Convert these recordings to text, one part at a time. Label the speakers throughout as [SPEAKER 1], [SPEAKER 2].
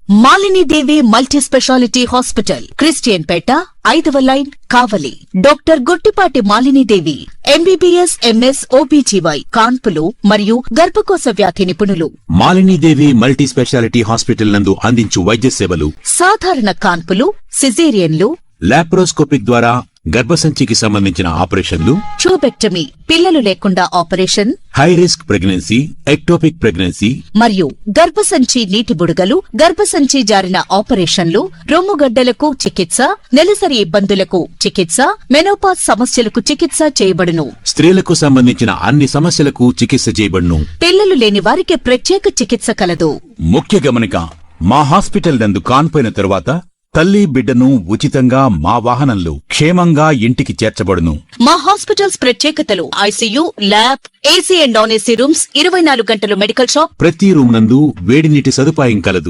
[SPEAKER 1] Malini Devi multi speciality hospital, Christian Peta, 5వ line, Kavali. Doctor Guttipati Malinidevi, MBBS, MS, OBGY, కాన్పులు మరియు గర్భకోశ వ్యాధి నిపుణులు.
[SPEAKER 2] మాలినీదేవి మల్టీ స్పెషాలిటీ హాస్పిటల్ నందు అందించు వైద్య సేవలు:
[SPEAKER 1] సాధారణ కాన్పులు, సిజేరియన్లు,
[SPEAKER 2] లాప్రోస్కోపిక్ ద్వారా గర్భసంచికి సంబంధించిన ఆపరేషన్లు,
[SPEAKER 1] ట్యూబెక్టమీ, పిల్లలు లేకుండా operation,
[SPEAKER 2] high risk pregnancy, ectopic pregnancy
[SPEAKER 1] మరియు గర్భసంచి నీటి బుడగలు, గర్భసంచి జారిన ఆపరేషన్లు, రొమ్ముగడ్డలకు చికిత్స, నెలసరి ఇబ్బందులకు చికిత్స, మెనోపాజ్ సమస్యలకు చికిత్స చేయబడును.
[SPEAKER 2] స్త్రీలకు సంబంధించిన అన్ని సమస్యలకు చికిత్స చేయబడును.
[SPEAKER 1] పిల్లలు లేని వారికి ప్రత్యేక చికిత్స కలదు.
[SPEAKER 2] ముఖ్య గమనిక: మా హాస్పిటల్ నందు కాన్పోయిన తరువాత తల్లి బిడ్డను ఉచితంగా మా వాహనంలో క్షేమంగా ఇంటికి చేర్చబడును.
[SPEAKER 1] మా హాస్పిటల్స్ ప్రత్యేకతలు: ICU, lab, AC and non AC rooms, 24 గంటలు మెడికల్ షాప్,
[SPEAKER 2] ప్రతి రూమ్ నందు వేడి నీటి సదుపాయం కలదు.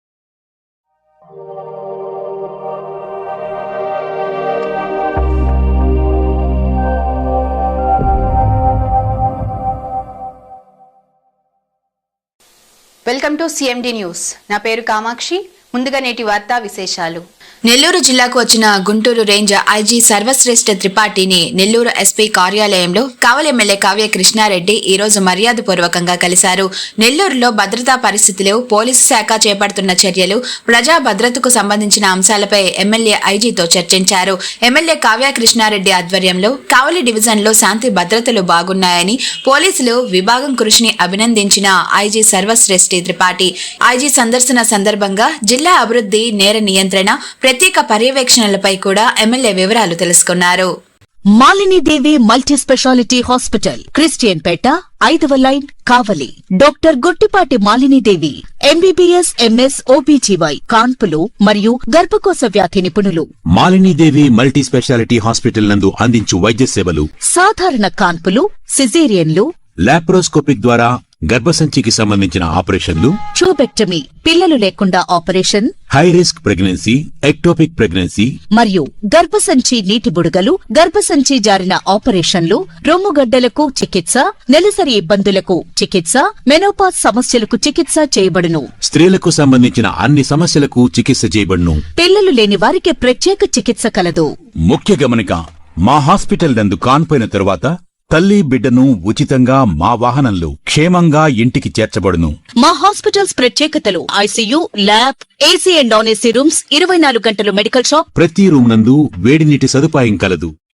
[SPEAKER 3] Welcome to CMD news. నా పేరు కామాక్షి. ముందుగా నేటి వార్తా విశేషాలు. నెల్లూరు జిల్లాకు వచ్చిన గుంటూరు రేంజ్ ఐజీ సర్వశ్రేష్ఠ త్రిపాఠిని నెల్లూరు ఎస్పీ కార్యాలయంలో కావలి ఎమ్మెల్యే కావ్య కృష్ణారెడ్డి ఈ రోజు మర్యాదపూర్వకంగా కలిశారు. నెల్లూరులో భద్రతా పరిస్థితులు, పోలీసు శాఖ చేపడుతున్న చర్యలు, ప్రజా భద్రతకు సంబంధించిన అంశాలపై ఎమ్మెల్యే ఐజీతో చర్చించారు. ఎమ్మెల్యే కావ్య కృష్ణారెడ్డి ఆధ్వర్యంలో కావలి డివిజన్లో శాంతి భద్రతలు బాగున్నాయని, పోలీసులు విభాగం కృషిని అభినందించిన ఐజీ సర్వశ్రేష్ఠి త్రిపాఠి ఐజీ సందర్శన సందర్భంగా జిల్లా అభివృద్ధి, నేర నియంత్రణ, ప్రత్యేక పర్యవేక్షణలపై కూడా ఎమ్మెల్యే వివరాలు తెలుసుకున్నారు.
[SPEAKER 1] Malinidevi multi speciality hospital, Christian Peta, 5వ line, Kavali. Doctor Guttipati Malinidevi, MBBS, MS, OBGY, కాన్పులు మరియు గర్భకోశ వ్యాధి నిపుణులు.
[SPEAKER 2] మాలినీదేవి మల్టీ స్పెషాలిటీ హాస్పిటల్ నందు అందించు వైద్య సేవలు:
[SPEAKER 1] సాధారణ కాన్పులు, సిజేరియన్లు,
[SPEAKER 2] లాప్రోస్కోపిక్ ద్వారా గర్భసంచికి సంబంధించిన ఆపరేషన్లు,
[SPEAKER 1] ట్యూబెక్టమీ, పిల్లలు లేకుండా operation,
[SPEAKER 2] high risk pregnancy, ectopic pregnancy
[SPEAKER 1] మరియు గర్భసంచి నీటి బుడగలు, గర్భసంచి జారిన ఆపరేషన్లు, రొమ్ముగడ్డలకు చికిత్స, నెలసరి ఇబ్బందులకు చికిత్స, మెనోపాజ్ సమస్యలకు చికిత్స చేయబడును.
[SPEAKER 2] స్త్రీలకు సంబంధించిన అన్ని సమస్యలకు చికిత్స చేయబడును.
[SPEAKER 1] పిల్లలు లేని వారికి ప్రత్యేక చికిత్స కలదు.
[SPEAKER 2] ముఖ్య గమనిక: మా హాస్పిటల్ నందు కాన్పోయిన తరువాత తల్లి బిడ్డను ఉచితంగా మా వాహనంలో క్షేమంగా ఇంటికి చేర్చబడును.
[SPEAKER 1] మా హాస్పిటల్స్ ప్రత్యేకతలు: ICU, lab, AC and non AC rooms, 24 గంటలు మెడికల్ షాప్,
[SPEAKER 2] ప్రతి రూమ్ నందు వేడి నీటి సదుపాయం కలదు.